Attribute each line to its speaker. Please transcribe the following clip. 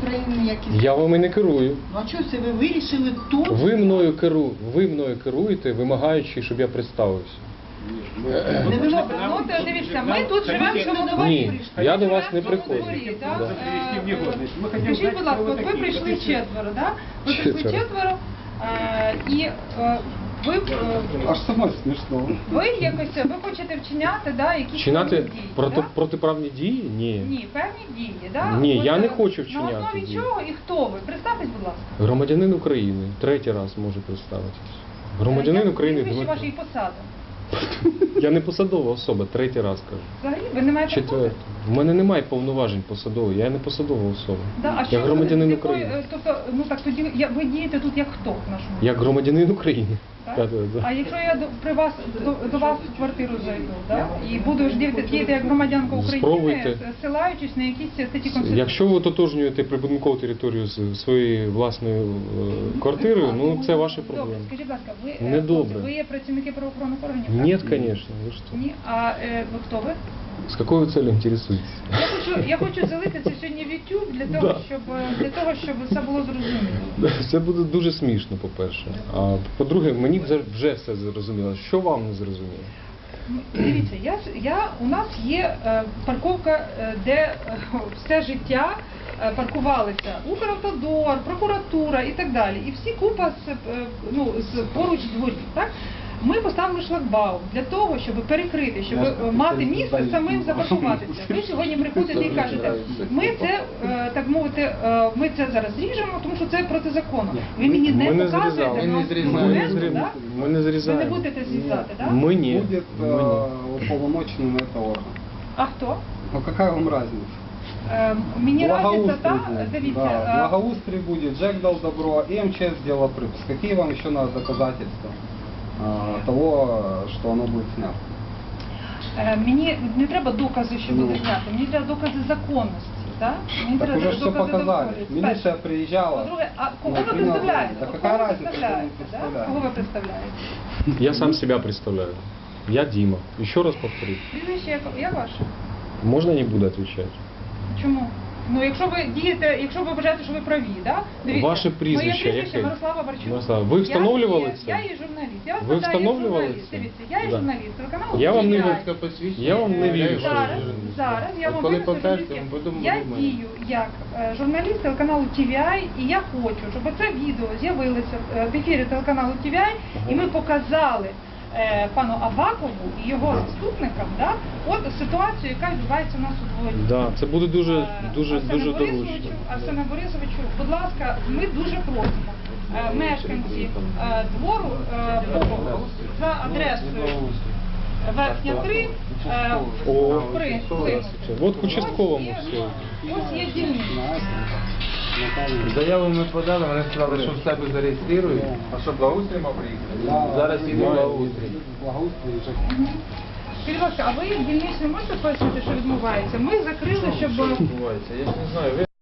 Speaker 1: України якісь?
Speaker 2: Я вами не керую.
Speaker 1: Ну а чого це ви вирішили тут?
Speaker 2: Ви мною керуєте, вимагаючи, щоб я представився.
Speaker 1: Не вимогли.
Speaker 3: Ну, то дивіться, ми тут живемо в цьому дворі.
Speaker 2: Ні, я до вас не приходжу.
Speaker 3: Да?
Speaker 2: Да.
Speaker 3: Скажіть, будь ласка, от ви прийшли четверо, да? Ви прийшли четверо, і ви,
Speaker 4: Аж самой смішно.
Speaker 3: ви якось, ви хочете вчиняти, да, якісь
Speaker 2: Вчиняти
Speaker 3: певні дії, да?
Speaker 2: протиправні дії? Ні.
Speaker 3: Ні, певні дії, да?
Speaker 2: Ні,
Speaker 3: От,
Speaker 2: я не хочу вчиняти
Speaker 3: На основі
Speaker 2: дії.
Speaker 3: чого і хто ви? Представтесь, будь ласка.
Speaker 2: Громадянин України. Третій раз можу представитись. Громадянин України.
Speaker 3: Прізвище
Speaker 2: Дмитро.
Speaker 3: вашої посади.
Speaker 2: Я не посадова особа, третій раз кажу.
Speaker 3: Взагалі, ви не маєте
Speaker 2: Четвертий. У мене немає повноважень посадових, я не посадова особа.
Speaker 3: Да, а
Speaker 2: Я
Speaker 3: що
Speaker 2: громадянин
Speaker 3: з якої-
Speaker 2: України.
Speaker 3: Тобто, ну так тоді ви дієте тут як хто в нашому?
Speaker 2: Як громадянин України.
Speaker 3: Так?
Speaker 2: Так, так, так.
Speaker 3: А якщо я при вас до вас в квартиру зайду, да? І буду ж діяти як громадянка України,
Speaker 2: Спробуйте.
Speaker 3: ссилаючись на якісь статті Конституції?
Speaker 2: Якщо ви ототожнюєте прибудинкову територію з своєю власною квартирою, ну це ваші
Speaker 3: Добре,
Speaker 2: проблеми.
Speaker 3: скажіть, будь ласка,
Speaker 2: Не добре.
Speaker 3: ви є працівники правоохоронних органів? так?
Speaker 2: Нет, конечно. Вы что?
Speaker 3: Ні? А ви хто ви?
Speaker 2: С какой вы целью интересуетесь?
Speaker 3: Я хочу залити це сьогодні в YouTube для того, щоб все було зрозуміло.
Speaker 2: Це буде дуже смішно, по-перше. А по-друге, мені вже все зрозуміло. Що вам не зрозуміло?
Speaker 3: Дивіться, у нас є парковка, де все життя паркувалися Укравтодор, прокуратура і так далі. І всі купа поруч дворів. Так? Ми поставили шлагбаум для того, щоб перекрити, щоб мати місце самим запаркуватися. Ви сьогодні приходите і кажете, ми це, так мовити, ми це зараз зріжемо, тому що це протизаконно. Ви мені не показуєте документи, так?
Speaker 2: Ми не
Speaker 3: Ви
Speaker 2: зрізаємо.
Speaker 3: не будете зрізати, так?
Speaker 2: Ми ні.
Speaker 4: Будет
Speaker 2: Ми ні.
Speaker 4: уполномоченный на это орган.
Speaker 3: А хто?
Speaker 4: Ну какая вам разница?
Speaker 3: Мені разниця
Speaker 4: Благоустрой
Speaker 3: та,
Speaker 4: будет. Да,
Speaker 3: дивіться,
Speaker 4: благоустрой будет, Джек дал добро, и МЧС сделала припуск. Какие вам еще надо доказательства того, что оно будет снято?
Speaker 3: мені не треба докази, що буде зняти, мені треба докази законності. Так, мені
Speaker 4: Так
Speaker 3: треба
Speaker 4: уже все
Speaker 3: докази
Speaker 4: показали.
Speaker 3: законності.
Speaker 4: Милиция приезжала.
Speaker 3: По-друге, а кого ви
Speaker 4: Например,
Speaker 3: представляєте?
Speaker 4: да
Speaker 3: От
Speaker 4: какая
Speaker 3: кого ви
Speaker 4: разница, кто мы
Speaker 3: представляєте? Да?
Speaker 4: представляем?
Speaker 3: Кого ви представляєте?
Speaker 2: Я сам себя представляю. Я Дима. Еще раз повторю.
Speaker 3: Прізвище я ваше.
Speaker 2: Можно не буду отвечать?
Speaker 3: Чому? Ну, якщо ви дієте, якщо ви вважаєте, що ви праві, да? Дивіться,
Speaker 2: Ваше прізвище
Speaker 3: моє прізвище
Speaker 2: яке?
Speaker 3: Мирослава Варчук.
Speaker 2: Мирослава, ви встановлювали це?
Speaker 3: Я є журналіст. Я вас
Speaker 2: Ви
Speaker 3: питаю, як
Speaker 2: встановлювали
Speaker 3: журналіст.
Speaker 2: це?
Speaker 3: Дивіться, я є
Speaker 2: Да.
Speaker 3: журналіст телеканалу.
Speaker 2: Я вам не
Speaker 3: «TVI».
Speaker 2: вірю. Я вам не вірю.
Speaker 3: Зараз я вам
Speaker 5: коли
Speaker 3: винесу
Speaker 5: покажете,
Speaker 3: журналістське.
Speaker 5: ми будемо
Speaker 3: Я
Speaker 5: думати.
Speaker 3: дію як журналіст телеканалу TVI, і я хочу, щоб це відео з'явилося в ефірі телеканалу TVI, і ми показали пану Авакову і його заступникам, да, от ситуацію, яка відбувається у нас у дворі.
Speaker 2: Да, це буде дуже
Speaker 3: Арсене
Speaker 2: доручно.
Speaker 3: Борисовичу, Арсене Борисовичу, будь ласка, ми дуже просимо мешканці двору за адресою Верхня 3
Speaker 2: О,
Speaker 3: вплинути.
Speaker 2: от к участковому все.
Speaker 3: Ось є дільниця.
Speaker 5: Заяву ми подали, вони сказали, що в себе зареєструють. А що, благоустрій мав приїхати? Зараз іде благоустрій.
Speaker 4: Благоустрой и ЖКХ.
Speaker 3: Скажіть, будь ласка, а ви дільнично можете пояснити, що відбувається? Ми закрили, щоб...
Speaker 5: Відбувається, я ж не знаю.